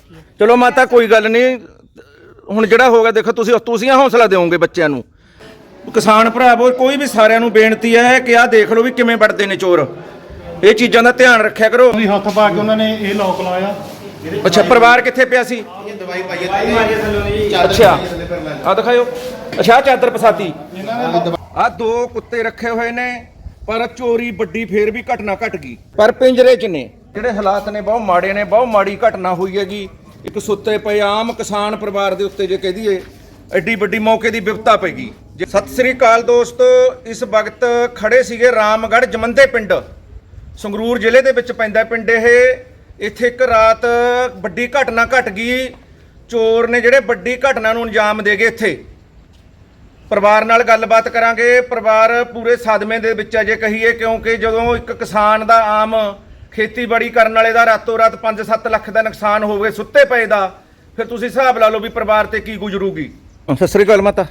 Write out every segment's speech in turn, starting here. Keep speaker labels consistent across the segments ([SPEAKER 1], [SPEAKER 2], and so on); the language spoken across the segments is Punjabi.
[SPEAKER 1] ਬੈਠੀ ਹੈ।
[SPEAKER 2] ਚਲੋ ਮਾਤਾ ਕੋਈ ਗੱਲ ਨਹੀਂ, ਹੁਣ ਜਿਹੜਾ ਹੋਗਾ ਦੇਖੋ ਤੁਸੀਂ ਹੌਸਲਾ ਦਿਓਗੇ ਬੱਚਿਆਂ ਨੂੰ। ਕਿਸਾਨ ਭਰਾਵੋ ਕੋਈ ਵੀ ਸਾਰਿਆਂ ਨੂੰ ਬੇਨਤੀ ਹੈ ਕਿ ਆਹ ਦੇਖ ਲਓ ਵੀ ਕਿਵੇਂ ਵੱਢਦੇ ਨੇ ਚੋਰ। ਇਹ ਚੀਜ਼ਾਂ ਦਾ ਧਿਆਨ ਰੱਖਿਆ ਕਰੋ।
[SPEAKER 3] ਹੱਥ ਪਾ ਕੇ ਉਹਨਾਂ ਨੇ ਇਹ ਲੋਕ ਲਾਇਆ।
[SPEAKER 2] ਅੱਛਾ ਪਰਿਵਾਰ ਕਿੱਥੇ ਪਿਆ ਸੀ?
[SPEAKER 4] ਦਵਾਈ ਪਾਈ ਹੈ।
[SPEAKER 2] ਅੱਛਾ ਆ ਦਿਖਾਓ। ਅੱਛਾ ਚਾਦਰ ਪਸਾਤੀ। ਆ ਦੋ ਕੁੱਤੇ ਰੱਖੇ ਹੋਏ ਨੇ ਪਰ ਚੋਰੀ ਵੱਡੀ ਫੇਰ ਵੀ ਘਟਨਾ ਘਟ ਗਈ, ਪਰ ਪਿੰਜਰੇ 'ਚ ਨੇ। ਜਿਹੜੇ ਹਾਲਾਤ ਨੇ ਬਹੁਤ ਮਾੜੇ ਨੇ, ਬਹੁਤ ਮਾੜੀ ਘਟਨਾ ਹੋਈ ਹੈਗੀ। ਇੱਕ ਸੁੱਤੇ ਪਏ ਆਮ ਕਿਸਾਨ ਪਰਿਵਾਰ ਦੇ ਉੱਤੇ ਜੇ ਕਹਿ ਦਈਏ ਐਡੀ ਵੱਡੀ ਮੌਕੇ ਦੀ ਵਿਪਤਾ ਪੈ ਗਈ। ਸਤਿ ਸ੍ਰੀ ਅਕਾਲ ਦੋਸਤੋ, ਇਸ ਵਕਤ ਖੜੇ ਸੀਗੇ ਰਾਮਗੜ੍ਹ ਜਮੰਦੇ ਪਿੰਡ, ਸੰਗਰੂਰ ਜ਼ਿਲ੍ਹੇ ਦੇ ਵਿੱਚ ਪੈਂਦਾ ਪਿੰਡ ਇਹ। ਇੱਥੇ ਇੱਕ ਰਾਤ ਵੱਡੀ ਘਟਨਾ ਘਟ ਗਈ। ਚੋਰ ਨੇ ਜਿਹੜੇ ਵੱਡੀ ਘਟਨਾ ਨੂੰ ਅੰਜਾਮ ਦੇ ਗਏ। ਇੱਥੇ ਪਰਿਵਾਰ ਨਾਲ ਗੱਲਬਾਤ ਕਰਾਂਗੇ। ਪਰਿਵਾਰ ਪੂਰੇ ਸਦਮੇ ਦੇ ਵਿੱਚ ਹੈ ਜੇ ਕਹੀਏ, ਕਿਉਂਕਿ ਜਦੋਂ ਇੱਕ ਕਿਸਾਨ ਦਾ, ਆਮ ਖੇਤੀਬਾੜੀ ਕਰਨ ਵਾਲੇ ਦਾ ਰਾਤੋਂ ਰਾਤ 5-7 ਲੱਖ ਦਾ ਨੁਕਸਾਨ ਹੋਵੇ ਸੁੱਤੇ ਪਏ ਦਾ, ਫਿਰ ਤੁਸੀਂ ਹਿਸਾਬ ਲਾ ਲਓ ਵੀ ਪਰਿਵਾਰ ਤੇ ਕੀ ਗੁਜ਼ਰੂਗੀ। ਸਤਿ ਸ੍ਰੀ ਅਕਾਲ ਮਾਤਾ।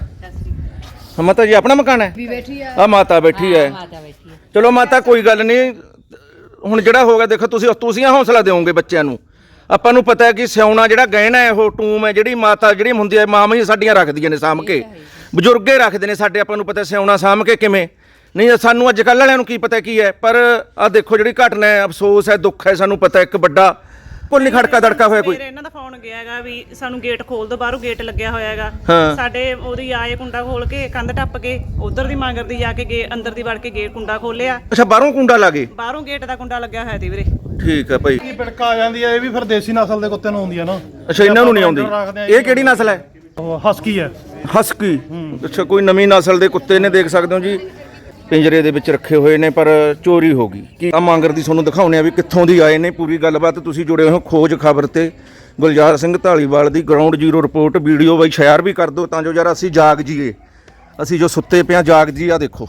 [SPEAKER 2] ਮਾਤਾ ਜੀ ਆਪਣਾ ਮਕਾਨ ਹੈ? ਆ ਮਾਤਾ ਬੈਠੀ ਹੈ। ਚਲੋ ਮਾਤਾ ਕੋਈ ਗੱਲ ਨਹੀਂ, ਹੁਣ ਜਿਹੜਾ ਹੋਗਾ ਦੇਖੋ ਤੁਸੀਂ ਹੌਸਲਾ ਦਿਓਗੇ ਬੱਚਿਆਂ ਨੂੰ। ਆਪਾਂ ਨੂੰ ਪਤਾ ਹੈ ਕਿ ਸਿਉਣਾ ਜਿਹੜਾ ਗਹਿਣਾ ਹੈ, ਉਹ ਟੂਮ ਹੈ ਜਿਹੜੀ ਮਾਤਾ ਜਿਹੜੀ ਹੁੰਦੀ ਹੈ, ਮਾਂ ਹੀ ਸਾਡੀਆਂ ਰੱਖਦੀਆਂ ਨੇ ਸਾਂਭ ਕੇ, ਬਜ਼ੁਰਗੇ ਰੱਖਦੇ ਨੇ ਸਾਡੇ। ਆਪਾਂ ਨੂੰ ਪਤਾ ਸਿਉਣਾ ਸਾਂਭ ਕੇ ਕਿਵੇਂ ਨਹੀਂ, ਸਾਨੂੰ ਅੱਜ ਕੱਲ੍ਹ ਵਾਲਿਆਂ ਨੂੰ ਕੀ ਪਤਾ ਕੀ ਹੈ। ਪਰ ਆਹ ਦੇਖੋ ਜਿਹੜੀ ਘਟਨਾ ਹੈ, ਅਫਸੋਸ ਹੈ, ਦੁੱਖ ਹੈ। ਸਾਨੂੰ ਪਤਾ ਇੱਕ ਵੱਡਾ ਭੁੱਲ ਨਹੀਂ ਖੜਕਾ ਦੜਕਾ ਹੋਇਆ ਕੋਈ।
[SPEAKER 5] ਇਹਨਾਂ ਦਾ ਫੋਨ ਗਿਆ ਹੈਗਾ ਵੀ ਸਾਨੂੰ ਗੇਟ ਖੋਲ ਦੋ, ਬਾਹਰੋਂ ਗੇਟ ਲੱਗਿਆ ਹੋਇਆ ਹੈਗਾ। ਸਾਡੇ ਉਹਦੀ ਆਏ ਕੁੰਡਾ ਖੋਲ ਕੇ ਕੰਧ ਟੱਪ ਕੇ ਉਧਰ ਦੀ ਮਾਂਗਰ ਦੀ ਜਾ ਕੇ ਅੰਦਰ ਦੀ ਵੜ ਕੇ ਗੇਟ ਕੁੰਡਾ ਖੋਲਿਆ।
[SPEAKER 2] ਅੱਛਾ ਬਾਹਰੋਂ ਕੁੰਡਾ ਲਾ ਗਏ?
[SPEAKER 5] ਬਾਹਰੋਂ ਗੇਟ ਦਾ ਕੁੰਡਾ ਲੱਗਿਆ ਹੋਇਆ ਸੀ ਵੀਰੇ।
[SPEAKER 2] ਠੀਕ ਹੈ ਭਾਈ।
[SPEAKER 3] ਕੀ ਪਿੜਕਾ ਆ ਜਾਂਦੀ ਹੈ, ਇਹ ਵੀ ਫਿਰ ਦੇਸੀ ਨਸਲ ਦੇ ਕੁੱਤੇ ਨੂੰ ਆਉਂਦੀ ਹੈ ਨਾ।
[SPEAKER 2] ਅੱਛਾ ਇਹਨਾਂ ਨੂੰ ਨਹੀਂ ਆਉਂਦੀ। ਇਹ ਕਿਹੜੀ ਨਸਲ ਹੈ?
[SPEAKER 3] ਹਸਕੀ ਹੈ।
[SPEAKER 2] ਹਸਕੀ। ਅੱਛਾ ਕੋਈ ਨਵੀਂ ਨਸਲ ਦੇ ਕੁੱਤੇ ਨੇ, ਦੇਖ ਸਕਦੇ ਹੋ ਜੀ ਪਿੰਜਰੇ ਦੇ ਵਿੱਚ ਰੱਖੇ ਹੋਏ ਨੇ, ਪਰ ਚੋਰੀ ਹੋ ਗਈ। ਕੀ ਆ ਮਾਂਗਰ ਦੀ ਤੁਹਾਨੂੰ ਦਿਖਾਉਂਦੇ ਆ ਵੀ ਕਿੱਥੋਂ ਦੀ ਆਏ ਨੇ। ਪੂਰੀ ਗੱਲਬਾਤ ਤੁਸੀਂ ਜੁੜੇ ਹੋ ਖੋਜ ਖਬਰ ਤੇ। ਗੁਲਜ਼ਾਰ ਸਿੰਘ ਢਾਲੀਵਾਲ ਦੀ ਗਰਾਊਂਡ ਜ਼ੀਰੋ ਰਿਪੋਰਟ ਵੀਡੀਓ ਬਾਈ ਸ਼ੇਅਰ ਵੀ ਕਰ ਦਿਓ ਤਾਂ ਜੋ ਯਾਰ ਅਸੀਂ ਜਾਗ ਜੀਏ, ਅਸੀਂ ਜੋ ਸੁੱਤੇ ਪਿਆ ਜਾਗ ਜੀ। ਆ ਦੇਖੋ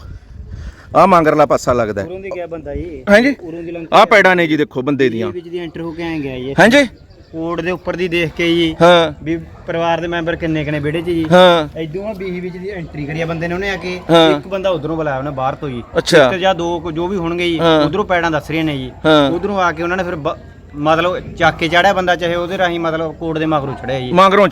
[SPEAKER 2] ਆ ਮਾਂਗਰਲਾ ਪਾਸਾ ਲੱਗਦਾ ਹੈ।
[SPEAKER 4] ਉਰੋਂ ਦੀ ਗਿਆ ਬੰਦਾ ਜੀ।
[SPEAKER 2] ਹਾਂਜੀ ਆ ਪੈੜਾਂ ਨੇ ਜੀ, ਦੇਖੋ ਬੰਦੇ ਦੀਆਂ
[SPEAKER 4] ਵਿੱਚ ਦੀ ਐਂਟਰ ਹੋ ਕੇ ਆ ਗਿਆ ਜੀ।
[SPEAKER 2] ਹਾਂਜੀ
[SPEAKER 4] ਕੋਡ ਦੇ ਉੱਪਰ ਦੀ ਦੇਖ ਕੇ ਜੀ
[SPEAKER 2] ਹਾਂ
[SPEAKER 4] ਵੀ ਪਰਿਵਾਰ ਦੇ ਮੈਂਬਰ ਕਿੰਨੇ ਕਿੰਨੇ ਵਿਹੜੇ 'ਚ ਜੀ।
[SPEAKER 2] ਹਾਂ
[SPEAKER 4] ਇਦੋਂ ਆ ਬੀਹੀ ਵਿੱਚ ਦੀ ਐਂਟਰੀ ਕਰੀ ਆ ਬੰਦੇ ਨੇ। ਉਹਨੇ ਆ ਕੇ
[SPEAKER 2] ਹਾਂ।
[SPEAKER 4] ਇੱਕ ਬੰਦਾ ਉਧਰੋਂ ਬੁਲਾਇਆ ਉਹਨੇ ਬਾਹਰ ਤੋਂ ਜੀ।
[SPEAKER 2] ਅੱਛਾ।
[SPEAKER 4] ਇੱਕ ਜਾਂ ਦੋ ਜੋ ਵੀ ਹੋਣਗੇ ਜੀ,
[SPEAKER 2] ਹਾਂ।
[SPEAKER 4] ਉਧਰੋਂ ਪੈੜਾਂ ਦੱਸ ਰਹੀਆਂ ਨੇ ਜੀ।
[SPEAKER 2] ਹਾਂ।
[SPEAKER 4] ਉਧਰੋਂ ਆ ਕੇ ਉਹਨਾਂ ਨੇ ਫਿਰ ਮਤਲਬ ਚੱਕ ਕੇ ਚੜਿਆ ਬੰਦਾ, ਚਾਹੇ ਉਹਦੇ ਰਾਹੀਂ ਮਤਲਬ ਕੋਡ ਦੇ ਮਗਰੋਂ ਚੜਿਆ ਜੀ।
[SPEAKER 2] ਮਾਂਗਰੋਂ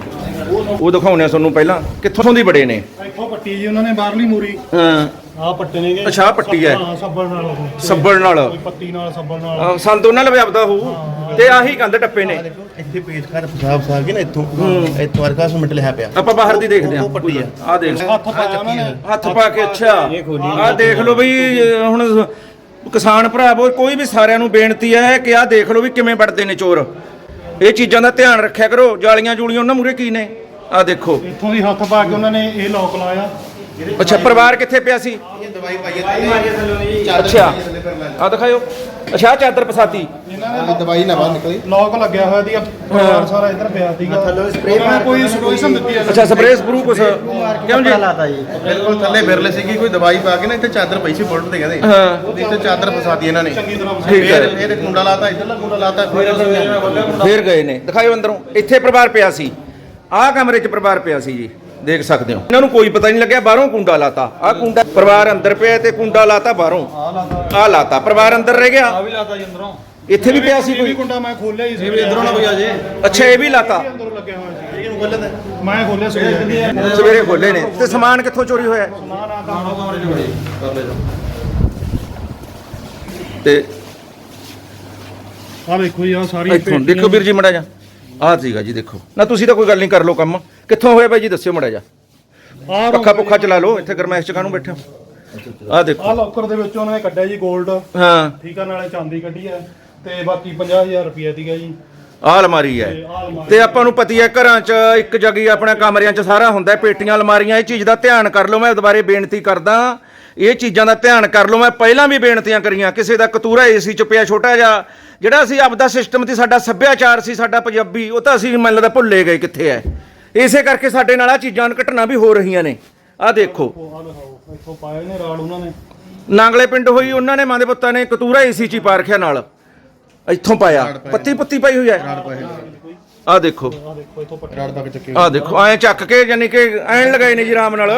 [SPEAKER 2] ਉਹ ਦਿਖਾਉਂਦੇ ਆ ਤੁਹਾਨੂੰ ਪਹਿਲਾਂ ਕਿੱਥੋਂ ਦੀ ਬੜੇ ਨੇ।
[SPEAKER 3] ਇੱਥੋਂ ਪੱਟੀ ਜੀ ਉਹਨਾਂ ਨੇ ਬਾਹਰਲੀ ਮੂਰੀ।
[SPEAKER 2] ਹਾਂ
[SPEAKER 3] ਆਹ ਪੱਟੇ ਨੇਗੇ।
[SPEAKER 2] ਅੱਛਾ ਆਹ ਪੱਟੀ ਹੈ।
[SPEAKER 3] ਹਾਂ ਸੱਬਲ ਨਾਲ ਉਹ।
[SPEAKER 2] ਸੱਬਲ ਨਾਲ
[SPEAKER 3] ਕੋਈ ਪੱਤੀ ਨਾਲ ਸੱਬਲ ਨਾਲ।
[SPEAKER 2] ਸੰਦ ਉਹਨਾਂ ਲਵੇ ਆਪਦਾ ਹੋਊ ਤੇ ਆਹੀ ਕੰਧ ਟੱਪੇ ਨੇ।
[SPEAKER 6] ਇੱਥੇ ਪੇਜ ਕਰ ਫਸਾਬ ਕੇ ਨਾ ਇੱਥੋਂ ਵਰਕਾ ਮਿੰਟ ਲਿਆ ਪਿਆ।
[SPEAKER 2] ਆਪਾਂ ਬਾਹਰ ਦੀ ਦੇਖਦੇ ਆਂ।
[SPEAKER 6] ਉਹ ਪੱਟੀ ਆ।
[SPEAKER 2] ਆ ਦੇਖ
[SPEAKER 3] ਹੱਥ ਪਾਇਆ ਉਹਨਾਂ ਨੇ।
[SPEAKER 2] ਹੱਥ ਪਾ ਕੇ। ਅੱਛਾ ਆ ਦੇਖ ਲਓ ਬਈ। ਹੁਣ ਕਿਸਾਨ ਭਰਾਵੋ ਕੋਈ ਵੀ ਸਾਰਿਆਂ ਨੂੰ ਬੇਨਤੀ ਹੈ ਕਿ ਆਹ ਦੇਖ ਲਓ ਵੀ ਕਿਵੇਂ ਵੱਢਦੇ ਨੇ ਚੋਰ। ਇਹ ਚੀਜ਼ਾਂ ਦਾ ਧਿਆਨ ਰੱਖਿਆ ਕਰੋ। ਜਾਲੀਆਂ ਜੂਲੀਆਂ ਉਹਨਾਂ ਮੂਰੇ ਕੀ ਨੇ ਆ ਦੇਖੋ।
[SPEAKER 3] ਇੱਥੋਂ ਦੀ ਹੱਥ ਪਾ ਕੇ ਉਹਨਾਂ ਨੇ ਇਹ ਲੋਕ ਲਾਇਆ।
[SPEAKER 2] ਅੱਛਾ ਪਰਿਵਾਰ ਕਿੱਥੇ ਪਿਆ ਸੀ?
[SPEAKER 6] ਦਵਾਈ ਪਾਈ ਹੈ।
[SPEAKER 2] ਅੱਛਾ ਆ ਦਿਖਾਓ। ਅੱਛਾ ਚਾਦਰ ਪਸਾਤੀ।
[SPEAKER 6] ਦਵਾਈ ਨਾ ਬਾਹਰ ਨਿਕਲੀ।
[SPEAKER 3] ਲੋਕ ਲੱਗਿਆ ਹੋਇਆ ਸੀਗਾ। ਪਰਿਵਾਰ ਸਾਰਾ ਇੱਧਰ ਪਿਆ ਸੀਗਾ। ਕੋਈ ਸੋਲੂਸ਼ਨ ਦਿੱਤੀ ਹੈ।
[SPEAKER 2] ਅੱਛਾ ਸਪਰੇਅ ਸਪਰੂ ਕੁਛ ਕਿਉਂ ਜੀ?
[SPEAKER 4] ਲਾਤਾ ਜੀ।
[SPEAKER 6] ਬਿਲਕੁਲ ਥੱਲੇ ਬਿਰਲੇ ਸੀਗੀ, ਕੋਈ ਦਵਾਈ ਪਾ ਕੇ ਨਾ ਇੱਥੇ ਚਾਦਰ ਪਈ ਸੀ ਬੁਲਟ ਤੇ ਕਹਿੰਦੇ।
[SPEAKER 2] ਹਾਂ
[SPEAKER 6] ਇੱਥੇ ਚਾਦਰ ਫਸਾਤੀ ਇਹਨਾਂ ਨੇ।
[SPEAKER 2] ਠੀਕ ਹੈ।
[SPEAKER 6] ਫਿਰ ਕੁੰਡਾ ਲਾਤਾ, ਇੱਧਰਲਾ ਕੁੰਡਾ ਲਾਤਾ।
[SPEAKER 2] ਫੇਰ ਗਏ ਨੇ। ਦਿਖਾਓ ਅੰਦਰੋਂ। ਇੱਥੇ ਪਰਿਵਾਰ ਪਿਆ ਸੀ, ਆਹ ਕਮਰੇ 'ਚ ਪਰਿਵਾਰ ਪਿਆ ਸੀ ਜੀ, ਦੇਖ ਸਕਦੇ ਹੋ। ਇਹਨਾਂ ਨੂੰ ਕੋਈ ਪਤਾ ਨਹੀਂ ਲੱਗਿਆ। ਬਾਹਰੋਂ ਕੁੰਡਾ ਲਾਤਾ। ਆਹ ਕੁੰਡਾ ਪਰਿਵਾਰ ਅੰਦਰ ਪਿਆ ਤੇ ਕੁੰਡਾ ਲਾਤਾ ਬਾਹਰੋਂ। ਆਹ ਲਾਤਾ ਪਰਿਵਾਰ ਅੰਦਰ ਰਹਿ ਗਿਆ।
[SPEAKER 3] ਆ ਵੀ ਲਾਤਾ ਜੀ ਅੰਦਰੋਂ।
[SPEAKER 2] ਇੱਥੇ ਵੀ ਪਿਆ ਸੀ ਕੋਈ
[SPEAKER 3] ਕੁੰਡਾ ਮੈਂ ਖੋਲਿਆ ਹੀ ਸੀ। ਇਧਰੋਂ ਨਾ ਕੋਈ ਆ ਜੇ।
[SPEAKER 2] ਅੱਛਾ ਇਹ ਵੀ ਲਾਤਾ।
[SPEAKER 3] ਅੰਦਰੋਂ ਲੱਗਿਆ ਹੋਇਆ ਸੀ। ਇਹਨੂੰ ਖੋਲਿਆ ਮੈਂ ਖੋਲਿਆ ਸਵੇਰੇ।
[SPEAKER 2] ਸਵੇਰੇ ਖੋਲੇ ਨੇ। ਤੇ ਸਮਾਨ ਕਿੱਥੋਂ ਚੋਰੀ ਹੋਇਆ? ਤੇ
[SPEAKER 3] ਆ ਵੇਖੋ ਜੀ ਆ ਸਾਰੀ
[SPEAKER 2] ਇੱਥੋਂ ਦੇਖੋ ਵੀਰ ਜੀ ਮੜਾ ਜਾ। ਆਹ ਸੀਗਾ ਜੀ ਦੇਖੋ ਨਾ। ਤੁਸੀਂ ਤਾਂ ਕੋਈ ਗੱਲ ਨਹੀਂ ਕਰ ਲਓ ਕੰਮ। ਕਿੱਥੋਂ ਹੋਇਆ ਬਾਈ ਜੀ ਦੱਸਿਓ ਮੜਾ ਜਾ। ਪੱਖਾ ਪੁੱਖਾ ਚਲਾ ਲਓ। ਇੱਥੇ ਗਰਮੈਸ਼ ਚ ਕਾਹਨੂੰ ਬੈਠੇ ਹੋ? ਆਹ ਦੇਖੋ
[SPEAKER 3] ਆ ਲੋਕਰ ਦੇ ਵਿੱਚੋਂ ਉਹਨਾਂ ਨੇ ਕੱਢਿਆ ਜੀ 골ਡ।
[SPEAKER 2] ਹਾਂ
[SPEAKER 3] ਠੀਕ ਆ, ਨਾਲੇ ਚਾਂਦੀ ਕੱਢੀ ਹੈ ਤੇ ਬਾਕੀ 50,000 ਰੁਪਏ ਸੀਗਾ ਜੀ।
[SPEAKER 2] ਆਹ ਅਲਮਾਰੀ ਹੈ। ਤੇ ਆਪਾਂ ਨੂੰ ਪਤੀ ਹੈ ਘਰਾਂ 'ਚ ਇੱਕ ਜਗੀ ਆਪਣਾ ਕਮਰਿਆਂ 'ਚ ਸਾਰਾ ਹੁੰਦਾ ਪੇਟੀਆਂ ਅਲਮਾਰੀਆਂ। ਇਹ ਚੀਜ਼ ਦਾ ਧਿਆਨ ਕਰ ਲਓ। ਮੈਂ ਦੁਬਾਰੇ ਬੇਨਤੀ ਕਰਦਾ ਇਹ ਚੀਜ਼ਾਂ ਦਾ ਧਿਆਨ ਕਰ ਲਓ। ਮੈਂ ਪਹਿਲਾਂ ਵੀ ਬੇਨਤੀਆਂ ਕਰੀਆਂ। ਕਿਸੇ ਦਾ ਕਤੂਰਾ ਏਸੀ 'ਚ ਪਿਆ ਛੋਟਾ ਜਿਹਾ, ਜਿਹੜਾ ਅਸੀਂ ਆਪਦਾ ਸਿਸਟਮ ਸੀ, ਸਾਡਾ ਸੱਭਿਆਚਾਰ ਸੀ, ਸਾਡਾ ਪੰਜਾਬੀ, ਉਹ ਤਾਂ ਅਸੀਂ ਮੈਨੂੰ ਲੱਗਦਾ ਭੁੱਲੇ ਗਏ ਕਿੱਥੇ ਹੈ। ਇਸੇ ਕਰਕੇ ਸਾਡੇ ਨਾਲ ਆ ਚੀਜ਼ਾਂ ਘਟਨਾ ਵੀ ਹੋ ਰਹੀਆਂ ਨੇ। ਆਹ ਦੇਖੋ
[SPEAKER 3] ਇੱਥੋਂ ਪਾਏ ਨੇ ਰਾੜ ਉਹਨਾਂ ਨੇ।
[SPEAKER 2] ਨਾਂਗਲੇ ਪਿੰਡ ਹੋਈ, ਉਹਨਾਂ ਨੇ ਮਾਂ ਦੇ ਪੁੱਤਾਂ ਨੇ ਕਤੂਰਾ ਏਸੀ 'ਚ ਹੀ ਪਾ ਰੱਖਿਆ ਨਾਲ। ਇੱਥੋਂ ਪਾਇਆ ਪੱਤੀ ਪੁੱਤੀ ਪਾਈ ਹੋਈ ਹੈ। ਆਹ ਦੇਖੋ ਆਹ ਦੇਖੋ ਐਂ ਚੱਕ ਕੇ ਯਾਨੀ ਕਿ ਐਨ ਲਗਾਏ ਨੇ ਜੀ ਆਰਾਮ ਨਾਲ।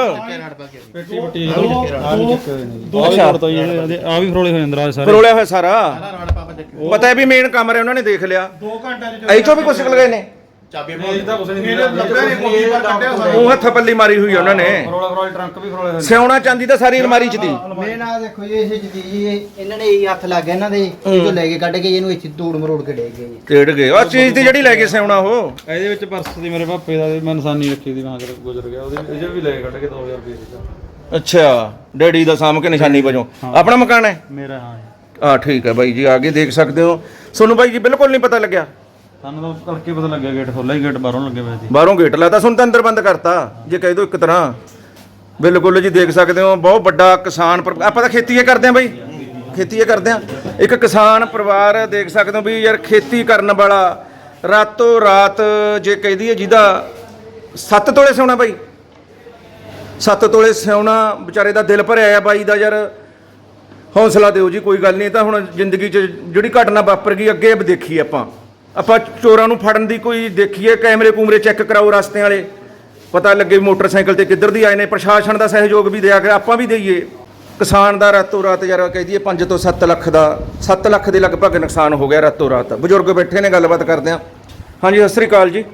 [SPEAKER 3] ਦੋ ਛੋੜ ਤਾਂ ਇਹ ਆ ਵੀ ਫਰੋਲੇ ਹੋਏ ਅੰਦਰ ਆ ਸਾਰੇ।
[SPEAKER 2] ਫਰੋਲਿਆ ਹੋਇਆ ਸਾਰਾ। ਪਤਾ ਹੈ ਵੀ ਮੇਨ ਕਮਰੇ ਉਹਨਾਂ ਨੇ ਦੇਖ ਲਿਆ
[SPEAKER 3] 2 ਘੰਟਿਆਂ ਚ
[SPEAKER 2] ਇਹ ਚੋਂ ਵੀ ਕੁਛ ਨਿਕਲ ਗਏ ਨੇ
[SPEAKER 6] ਚਾਬੀ
[SPEAKER 3] ਲੱਭਿਆ ਨਹੀਂ ਕੋਈ ਪਰ ਕੱਢਿਆ ਸਾਰੇ
[SPEAKER 2] ਉਹ ਹੱਥ ਪੱਲੀ ਮਾਰੀ ਹੋਈ ਉਹਨਾਂ ਨੇ
[SPEAKER 4] ਟਰੰਕ ਵੀ ਖਰੋਲੇ ਹੋਏ
[SPEAKER 2] ਸਿਉਣਾ ਚਾਂਦੀ ਤਾਂ ਸਾਰੀ ਅਲਮਾਰੀ 'ਚ ਦੀ
[SPEAKER 1] ਮੇਰੇ ਨਾਲ ਦੇਖੋ ਜੀ ਇਹ ਚੀਜ਼ ਜੀ ਇਹਨਾਂ ਨੇ ਇਹੀ ਹੱਥ ਲੱਗ ਗਿਆ ਇਹਨਾਂ ਦੇ ਇਹ ਲੈ ਕੇ ਕੱਢ ਕੇ ਇਹਨੂੰ ਇੱਥੇ ਧੂੜ ਮਰੋੜ ਕੇ ਡੇ ਗਏ ਜੀ
[SPEAKER 2] ਟੇੜ ਗਏ ਉਹ ਚੀਜ਼ ਦੀ ਜਿਹੜੀ ਲੈ ਕੇ ਸਿਉਣਾ ਉਹ
[SPEAKER 7] ਇਹਦੇ ਵਿੱਚ ਪਰਸ ਦੀ ਮੇਰੇ ਪਾਪੇ ਦਾ ਮੈਂ ਨਿਸ਼ਾਨੀ ਰੱਖੀ ਦੀ ਮਾਂ ਗੁਜ਼ਰ ਗਿਆ ਉਹਦੇ ਇਹ ਵੀ ਲੈ ਕੇ ਕੱਢ ਕੇ 2000 ਰੁਪਏ ਦਿੱਤਾ
[SPEAKER 2] ਅੱਛਾ ਡੈਡੀ ਦਾ ਸਾਂਭ ਕੇ ਨਿਸ਼ਾਨੀ ਵਜੋਂ ਆਪਣਾ ਮਕਾਨ ਹੈ
[SPEAKER 7] ਮੇਰਾ ਹਾਂ
[SPEAKER 2] ਆ ਠੀਕ ਹੈ ਬਾਈ ਜੀ ਆਗੇ ਦੇਖ ਸਕਦੇ ਹੋ ਤੁਹਾਨੂੰ ਬਾਈ ਜੀ ਬਿਲਕੁਲ ਨਹੀਂ ਪਤਾ ਲੱਗਿਆ
[SPEAKER 7] ਸਾਨੂੰ ਤਾਂ ਕਰਕੇ ਪਤਾ ਲੱਗਿਆ ਗੇਟ ਖੋਲ੍ਹਾ ਹੀ ਗੇਟ ਬਾਹਰੋਂ ਲੱਗੇ ਹੋਏ ਸੀ
[SPEAKER 2] ਬਾਹਰੋਂ ਗੇਟ ਲਾਤਾ ਸੁਣ ਤਾਂ ਅੰਦਰ ਬੰਦ ਕਰਤਾ ਜੇ ਕਹਿ ਦੋ ਇੱਕ ਤਰ੍ਹਾਂ ਬਿਲਕੁਲ ਜੀ ਦੇਖ ਸਕਦੇ ਹੋ ਬਹੁਤ ਵੱਡਾ ਕਿਸਾਨ ਆਪਾਂ ਤਾਂ ਖੇਤੀ ਹੀ ਕਰਦੇ ਆਂ ਬਾਈ ਖੇਤੀ ਹੀ ਕਰਦੇ ਆਂ ਇੱਕ ਕਿਸਾਨ ਪਰਿਵਾਰ ਦੇਖ ਸਕਦੇ ਹੋ ਵੀ ਯਾਰ ਖੇਤੀ ਕਰਨ ਵਾਲਾ ਰਾਤੋਂ ਰਾਤ ਜੇ ਕਹਿ ਦਈਏ ਜਿਹਦਾ 7 ਤੋਲੇ ਸੋਨਾ ਬਾਈ 7 ਤੋਲੇ ਸੋਨਾ ਵਿਚਾਰੇ ਦਾ ਦਿਲ ਭਰਿਆ ਆ ਬਾਈ ਦਾ ਯਾਰ ਹੌਸਲਾ ਦਿਓ ਜੀ ਕੋਈ ਗੱਲ ਨਹੀਂ ਤਾਂ ਹੁਣ ਜ਼ਿੰਦਗੀ 'ਚ ਜਿਹੜੀ ਘਟਨਾ ਵਾਪਰ ਗਈ ਅੱਗੇ ਦੇਖੀ ਆਪਾਂ ਚੋਰਾਂ ਨੂੰ ਫੜਨ ਦੀ ਕੋਈ ਦੇਖੀਏ ਕੈਮਰੇ ਕੂਮਰੇ ਚੈੱਕ ਕਰਾਓ ਰਸਤੇ ਵਾਲੇ ਪਤਾ ਲੱਗੇ ਮੋਟਰਸਾਈਕਲ ਤੇ ਕਿੱਧਰ ਦੀ ਆਏ ਨੇ ਪ੍ਰਸ਼ਾਸਨ ਦਾ ਸਹਿਯੋਗ ਵੀ ਦਿਆ ਕਰ ਆਪਾਂ ਵੀ ਦੇਈਏ ਕਿਸਾਨ ਦਾ ਰਾਤੋਂ ਰਾਤ ਯਾਰ ਕਹਿ ਦਈਏ 5 ਤੋਂ 7 ਲੱਖ ਦਾ 7 ਲੱਖ ਦੇ ਲਗਭਗ ਨੁਕਸਾਨ ਹੋ ਗਿਆ ਰਾਤੋਂ ਰਾਤ ਬਜ਼ੁਰਗ ਬੈਠੇ ਨੇ ਗੱਲਬਾਤ ਕਰਦੇ ਆ ਹਾਂਜੀ ਸਤਿ ਸ੍ਰੀ ਅਕਾਲ ਜੀ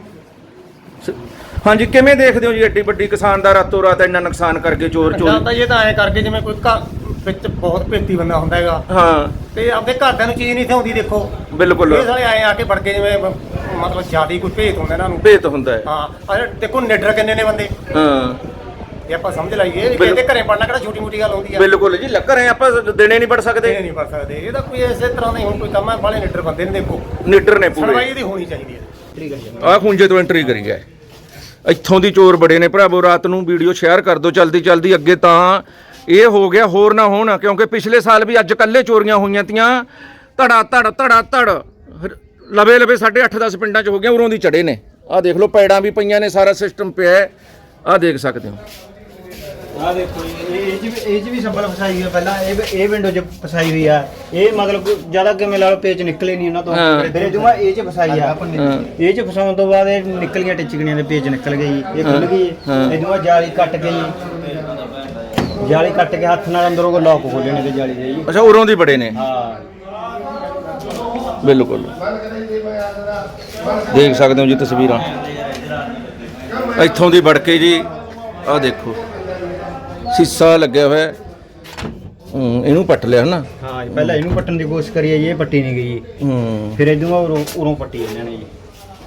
[SPEAKER 2] ਹਾਂਜੀ ਕਿਵੇਂ ਦੇਖਦੇ ਹੋ ਜੀ ਐਡੀ ਵੱਡੀ ਕਿਸਾਨ ਦਾ ਰਾਤੋਂ ਰਾਤ ਇੰਨਾ ਨੁਕਸਾਨ ਕਰਕੇ ਚੋਰ
[SPEAKER 8] ਤਾਂ ਇਹ ਤਾਂ ਐ ਕਰਕੇ ਜਿਵੇਂ ਕੋਈ ਘਰ ਵਿੱਚ ਬਹੁਤ ਭੇਤੀ ਬੰਦਾ ਹੁੰਦਾ ਹੈਗਾ
[SPEAKER 2] ਹਾਂ
[SPEAKER 8] ਤੇ ਆਪਣੇ ਘਰਦਿਆਂ ਨੂੰ ਚੀਜ਼ ਨਹੀਂ ਥਾਉਂਦੀ ਦੇਖੋ
[SPEAKER 2] ਬਿਲਕੁਲ
[SPEAKER 8] ਇਹ ਸਾਲੇ ਆਏ ਆ ਕੇ ਵੜ ਕੇ ਜਿਵੇਂ ਮਤਲਬ ਜਿਆਦਾ ਕੋਈ ਭੇਤ ਹੁੰਦਾ ਇਹਨਾਂ ਨੂੰ
[SPEAKER 2] ਭੇਤ ਹੁੰਦਾ ਹੈ
[SPEAKER 8] ਹਾਂ ਅਰੇ ਦੇਖੋ ਨਿਡਰ ਕਿੰਨੇ ਨੇ ਬੰਦੇ
[SPEAKER 2] ਹਾਂ
[SPEAKER 8] ਇਹ ਆਪਾਂ ਸਮਝ ਲਾਈਏ ਕਿ ਇਹਦੇ ਘਰੇ ਪੜਨਾ ਕਿਹੜਾ ਛੋਟੀ ਮੋਟੀ ਗੱਲ ਹੁੰਦੀ ਆ
[SPEAKER 2] ਬਿਲਕੁਲ ਜੀ ਲੱਗ ਰਹੇ ਆਪਾਂ ਦਿਨੇ ਨਹੀਂ ਪੜ ਸਕਦੇ
[SPEAKER 8] ਇਹ ਨਹੀਂ ਪੜ ਸਕਦੇ ਇਹ ਤਾਂ ਕੋਈ ਇਸੇ ਤਰ੍ਹਾਂ ਦਾ ਹੀ ਹੁਣ ਕੋਈ ਕੰਮ ਹੈ ਬਾਲੇ ਨਿਡਰ ਬੰਦੇ ਨੇ ਦੇਖੋ
[SPEAKER 2] ਨੀਡਰ ਨੇ ਪੂਰੇ
[SPEAKER 8] ਸੁਣਵਾਈ ਇਹਦੀ ਹੋਣੀ ਚਾਹੀਦੀ ਹੈ ਠੀਕ ਹੈ ਜੀ
[SPEAKER 2] ਆਹ ਖੁੰਝੇ ਤੋਂ ਐਂਟਰੀ ਕਰੀ ਹੈ ਇੱਥੋਂ ਦੀ ਚੋਰ ਬੜੇ ਨੇ ਭਰਾਵੋ ਰਾਤ ਨੂੰ ਵੀਡੀਓ ਸ਼ੇਅਰ ਕਰ ਦਿਓ ਜਲਦੀ ਅੱਗੇ ਤਾਂ ਇਹ ਹੋ ਗਿਆ ਹੋਰ ਨਾ ਹੋਣ ਕਿਉਂਕਿ ਪਿਛਲੇ ਸਾਲ ਵੀ ਅੱਜ ਕੱਲੇ ਚੋਰੀਆਂ ਹੋਈਆਂ ਤੀਆਂ ਧੜ ਲਵੇ 8.5-10 ਪਿੰਡਾਂ 'ਚ ਹੋ ਗਿਆ ਉਰੋਂ ਦੀ ਚੜੇ ਨੇ ਆਹ ਦੇਖ ਲਓ ਪੈੜਾਂ ਵੀ ਪਈਆਂ ਨੇ ਸਾਰਾ ਸਿਸਟਮ ਪਿਆ ਹੈ ਆਹ ਦੇਖ ਸਕਦੇ ਹੋ
[SPEAKER 1] ਆ ਦੇਖੋ ਇਹ ਚ ਵੀ ਸੰਭਲ ਫਸਾਈ ਹੈ ਪਹਿਲਾਂ ਇਹ ਵਿੰਡੋ 'ਚ ਫਸਾਈ ਹੋਈ ਆ ਇਹ ਮਤਲਬ ਜਿਆਦਾ ਕਿਵੇਂ ਲਾ ਲਓ ਪੇਚ ਨਿਕਲੇ ਨਹੀਂ ਉਹਨਾਂ ਤੋਂ ਫਿਰ ਜੁਮਾ ਇਹ 'ਚ ਫਸਾਈ ਆ ਇਹ 'ਚ ਫਸਾਉਣ ਤੋਂ ਬਾਅਦ ਇਹ ਨਿਕਲੀਆਂ ਟਿਚਕਣੀਆਂ ਦੇ ਪੇਚ ਨਿਕਲ ਗਏ ਇਹ ਖੁੱਲ ਗਈ ਇਹ ਜੁਮਾ ਜਾਲੀ ਕੱਟ ਗਈ ਜਾਲੀ ਕੱਟ ਕੇ ਹੱਥ ਨਾਲ ਅੰਦਰੋਂ ਕੋ ਲੋਕ ਖੋਲਣੇ ਤੇ ਜਾਲੀ ਦੇ ਜੀ
[SPEAKER 2] ਅੱਛਾ ਉਰੋਂ ਦੀ ਬੜੇ ਨੇ
[SPEAKER 1] ਹਾਂ
[SPEAKER 2] ਬਿਲਕੁਲ ਦੇਖ ਸਕਦੇ ਹੋ ਜੀ ਤਸਵੀਰਾਂ ਇੱਥੋਂ ਦੀ ਵੜ ਕੇ ਜੀ ਆਹ ਦੇਖੋ ਸੀਸਾ ਲੱਗਿਆ ਹੋਇਆ ਇਹਨੂੰ ਪੱਟ ਲਿਆ ਹਨਾ
[SPEAKER 1] ਹਾਂ ਪਹਿਲਾਂ ਇਹਨੂੰ ਪੱਟਣ ਦੀ ਕੋਸ਼ਿਸ਼ ਕਰੀ ਇਹ ਪੱਟੀ ਨਹੀਂ ਗਈ ਫਿਰ ਇਦੋਂ ਉਰੋਂ ਪੱਟੀ ਇਹਨਾਂ ਨੇ ਜੀ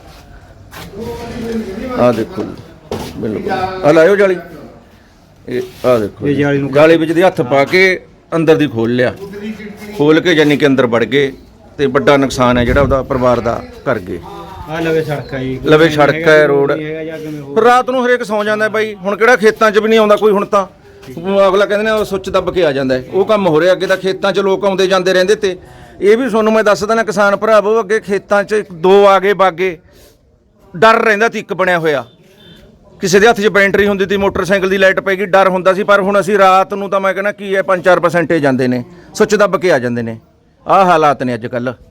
[SPEAKER 2] ਆਹ ਦੇਖੋ ਬਿਲਕੁਲ ਆ ਲਾਇਓ ਜਾਲੀ ਇਹ ਆਹ ਦੇਖੋ
[SPEAKER 1] ਇਹ ਜਾਲੀ ਨੂੰ
[SPEAKER 2] ਜਾਲੀ ਵਿੱਚ ਦੀ ਹੱਥ ਪਾ ਕੇ ਅੰਦਰ ਦੀ ਖੋਲ ਲਿਆ ਖੋਲ ਕੇ ਯਾਨੀ ਕਿ ਅੰਦਰ ਵੜ ਗਏ ਤੇ ਵੱਡਾ ਨੁਕਸਾਨ ਹੈ ਜਿਹੜਾ ਉਹਦਾ ਪਰਿਵਾਰ ਦਾ ਕਰ ਗਏ
[SPEAKER 1] ਆ ਲਵੇ ਸੜਕ ਹੈ ਜੀ
[SPEAKER 2] ਲਵੇ ਸੜਕ ਹੈ ਰੋਡ ਰਾਤ ਨੂੰ ਹਰੇਕ ਸੌਂ ਜਾਂਦਾ ਬਾਈ ਹੁਣ ਕਿਹੜਾ ਖੇਤਾਂ 'ਚ ਵੀ ਨਹੀਂ ਆਉਂਦਾ ਕੋਈ ਹੁਣ ਤਾਂ ਅਗਲਾ ਕਹਿੰਦੇ ਨੇ ਉਹ ਸੁੱਚ ਦੱਬ ਕੇ ਆ ਜਾਂਦਾ ਹੈ ਉਹ ਕੰਮ ਹੋ ਰਿਹਾ ਅੱਗੇ ਤਾਂ ਖੇਤਾਂ 'ਚ ਲੋਕ ਆਉਂਦੇ ਜਾਂਦੇ ਰਹਿੰਦੇ ਤੇ ਇਹ ਵੀ ਤੁਹਾਨੂੰ ਮੈਂ ਦੱਸਦਾ ਨਾ ਕਿਸਾਨ ਭਰਾਵੋ ਅੱਗੇ ਖੇਤਾਂ 'ਚ 2 ਆਗੇ ਬਾਗੇ ਡਰ ਰਹਿੰਦਾ ਸੀ ਇੱਕ ਬਣਿਆ ਹੋਇਆ ਕਿਸੇ ਦੇ ਹੱਥ 'ਚ ਬੈਟਰੀ ਹੁੰਦੀ ਸੀ ਮੋਟਰਸਾਈਕਲ ਦੀ ਲਾਈਟ ਪੈ ਗਈ ਡਰ ਹੁੰਦਾ ਸੀ ਪਰ ਹੁਣ ਅਸੀਂ ਰਾਤ ਨੂੰ ਤਾਂ ਮੈਂ ਕਹਿੰਦਾ ਕੀ ਹੈ 5-4% ਜਾਂਦੇ ਨੇ ਸੁੱਚ ਦੱਬ ਕੇ ਆ ਜਾਂਦੇ ਨੇ ਆਹ ਹਾਲਾਤ ਨੇ ਅੱਜ ਕੱਲ੍ਹ